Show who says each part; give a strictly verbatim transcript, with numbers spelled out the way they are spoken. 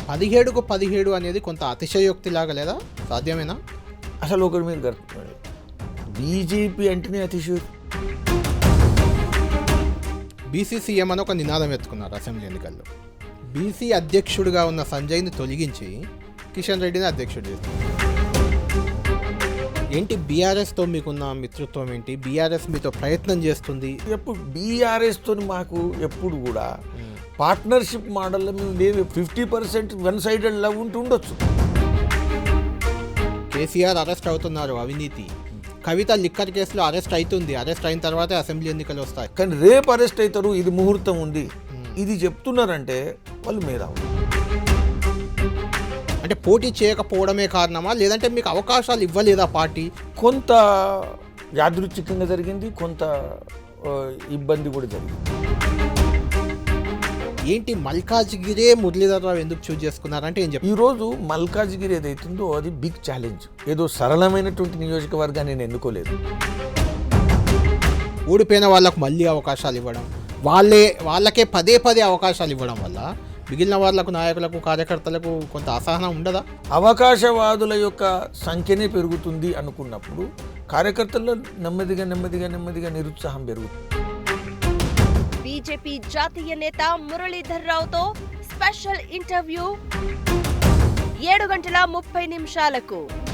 Speaker 1: పదిహేడుకు పదిహేడు అనేది కొంత అతిశయోక్తి లాగా లేదా? సాధ్యమేనా?
Speaker 2: అసలు ఒకటి మీరు కరెక్ట్, బీజేపీ అంటేనే అతిశయోక్తి.
Speaker 1: బీసీ సీఎం అని ఒక నినాదం ఎత్తుకున్నారు అసెంబ్లీ ఎన్నికల్లో. బీసీ అధ్యక్షుడిగా ఉన్న సంజయ్ని తొలగించి కిషన్ రెడ్డిని అధ్యక్షుడు చేస్తారు. ఏంటి బీఆర్ఎస్తో మీకున్న మిత్రత్వం ఏంటి? బీఆర్ఎస్ మీతో ప్రయత్నం చేస్తుంది.
Speaker 2: ఎప్పుడు బీఆర్ఎస్తో మాకు ఎప్పుడు కూడా పార్ట్నర్షిప్ మోడల్లో మేము లేవు. Fifty percent one sided love ఉంటూ ఉండొచ్చు.
Speaker 1: కేసీఆర్ అరెస్ట్ అవుతున్నారు అవినీతి, కవిత లిక్కర్ కేసులో అరెస్ట్ అవుతుంది. అరెస్ట్ అయిన తర్వాతే అసెంబ్లీ ఎన్నికలు వస్తాయి.
Speaker 2: కానీ రేపు అరెస్ట్ అవుతారు, ఇది ముహూర్తం ఉంది, ఇది చెప్తున్నారంటే వాళ్ళు మేధావులు.
Speaker 1: అంటే పోటీ చేయకపోవడమే కారణమా, లేదంటే మీకు అవకాశాలు ఇవ్వలేదా పార్టీ?
Speaker 2: కొంత యాదృచ్ఛికంగా జరిగింది, కొంత ఇబ్బంది కూడా జరిగింది.
Speaker 1: ఏంటి మల్కాజ్గిరే మురళీధర్ రావు ఎందుకు చూజ్ చేసుకున్నారంటే ఏం చెప్పి?
Speaker 2: ఈరోజు మల్కాజ్గిరి ఏదైతుందో అది బిగ్ ఛాలెంజ్. ఏదో సరళమైనటువంటి నియోజకవర్గాన్ని నేను ఎన్నుకోలేదు.
Speaker 1: ఓడిపోయిన వాళ్ళకు మళ్ళీ అవకాశాలు ఇవ్వడం, వాళ్ళే వాళ్ళకే పదే పదే అవకాశాలు ఇవ్వడం వల్ల మిగిలిన వాళ్ళకు, నాయకులకు, కార్యకర్తలకు కొంత అసహనం ఉండదా?
Speaker 2: అవకాశవాదుల యొక్క సంఖ్యనే పెరుగుతుంది అనుకున్నప్పుడు కార్యకర్తల్లో నెమ్మదిగా నెమ్మదిగా నెమ్మదిగా నిరుత్సాహం పెరుగుతుంది.
Speaker 3: బీజేపీ జాతీయ నేత మురళీధర్ రావుతో స్పెషల్ ఇంటర్వ్యూ ఏడు గంటల ముప్పై నిమిషాలకు.